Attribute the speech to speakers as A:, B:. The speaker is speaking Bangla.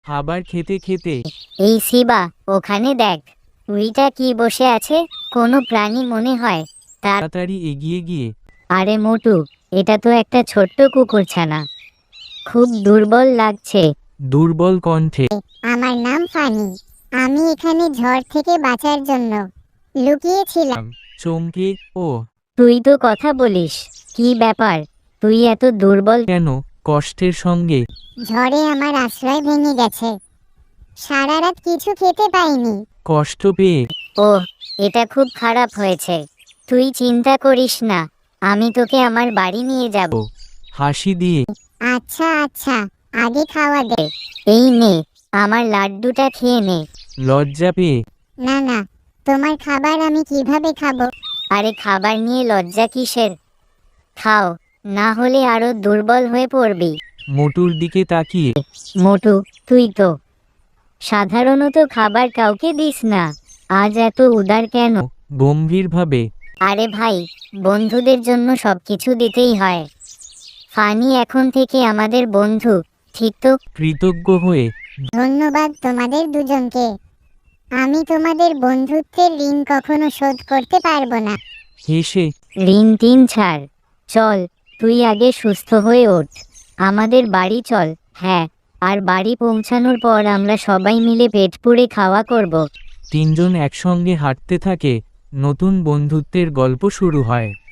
A: খাবার খেতে খেতে।
B: এই শিবা, ওখানে দেখ, উইটা কি বসে আছে, কোনো প্রাণী মনে হয়।
A: তাড়াতাড়ি এগিয়ে গিয়ে।
B: আরে মোটু, এটা তো একটা ছোট্ট কুকুরছানা, খুব দুর্বল লাগছে।
A: দুর্বল কণ্ঠে।
C: আমার নাম ফানি। আমি এখানে ঝড় থেকে বাঁচার জন্য লুকিয়েছিলাম।
A: চমকে। ও
B: তুই তো কথা বলিস, কি ব্যাপার, তুই এত দুর্বল
A: কেন? কষ্টের সঙ্গে।
C: ঝড়ে আমার আশ্রয় ভেঙে গেছে, সারা রাত কিছু খেতে পাইনি।
A: কষ্ট পেয়ে।
B: ও, এটা খুব খারাপ হয়েছে। তুই চিন্তা করিস না, আমি তোকে আমার বাড়ি নিয়ে যাব।
A: হাসি দিয়ে।
C: আচ্ছা আচ্ছা, আগে খাওয়া দে।
B: এই নে, আমার লাড্ডুটা খেয়ে নে।
A: লজ্জা পেয়ে।
C: না না, তোমার খাবার আমি কিভাবে খাবো?
B: আরে খাবার নিয়ে লজ্জা কিসের, খাও, না হলে আরো দুর্বল হয়ে পড়বি।
A: মোটুর দিকে তাকিয়ে।
B: মোটু, তুই তো সাধারণত খাবার কাউকে দিস না, আজ এত উদার কেন?
A: গম্ভীরভাবে।
B: আরে ভাই, বন্ধুদের জন্য সবকিছু দিতেই হয়। ফানি এখন থেকে আমাদের বন্ধু, ঠিক তো?
A: কৃতজ্ঞ হয়ে।
C: ধন্যবাদ তোমাদের দুজনকে। আমি তোমাদের বন্ধুত্বের ঋণ কখনো শোধ করতে পারবো না।
A: হেসে।
B: ঋণ তিন ছাড়, চল, তুই আগে সুস্থ হয়ে ওঠ, আমাদের বাড়ি চল। হ্যাঁ, আর বাড়ি পৌঁছানোর পর আমরা সবাই মিলে পেট পুড়ে খাওয়া করব।
A: তিনজন একসঙ্গে হাঁটতে থাকে, নতুন বন্ধুত্বের গল্প শুরু হয়।